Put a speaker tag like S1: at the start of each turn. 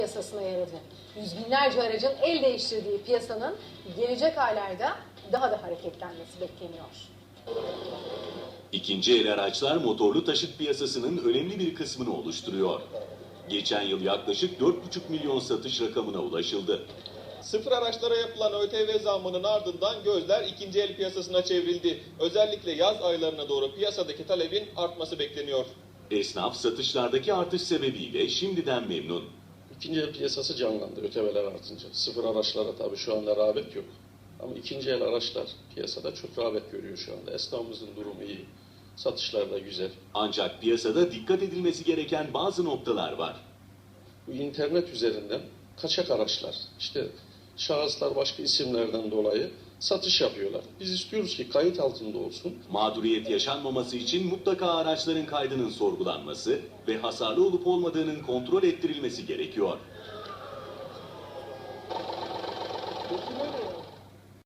S1: piyasasına yaradı. Yüz binlerce aracın el değiştirdiği piyasanın gelecek aylarda daha da hareketlenmesi bekleniyor.
S2: İkinci el araçlar motorlu taşıt piyasasının önemli bir kısmını oluşturuyor. Geçen yıl yaklaşık 4,5 milyon satış rakamına ulaşıldı.
S3: Sıfır araçlara yapılan ÖTV zammının ardından gözler ikinci el piyasasına çevrildi. Özellikle yaz aylarına doğru piyasadaki talebin artması bekleniyor.
S2: Esnaf satışlardaki artış sebebiyle şimdiden memnun.
S4: İkinci el piyasası canlandı ÖTV'ler artınca. Sıfır araçlara tabii şu anda rağbet yok. Ama ikinci el araçlar piyasada çok rağbet görüyor şu anda. Esnafımızın durumu iyi. Satışlar da güzel.
S2: Ancak piyasada dikkat edilmesi gereken bazı noktalar var.
S4: Bu internet üzerinden kaçak araçlar, işte şahıslar başka isimlerden dolayı satış yapıyorlar. Biz istiyoruz ki kayıt altında olsun.
S2: Mağduriyet yaşanmaması için mutlaka araçların kaydının sorgulanması ve hasarlı olup olmadığının kontrol ettirilmesi gerekiyor.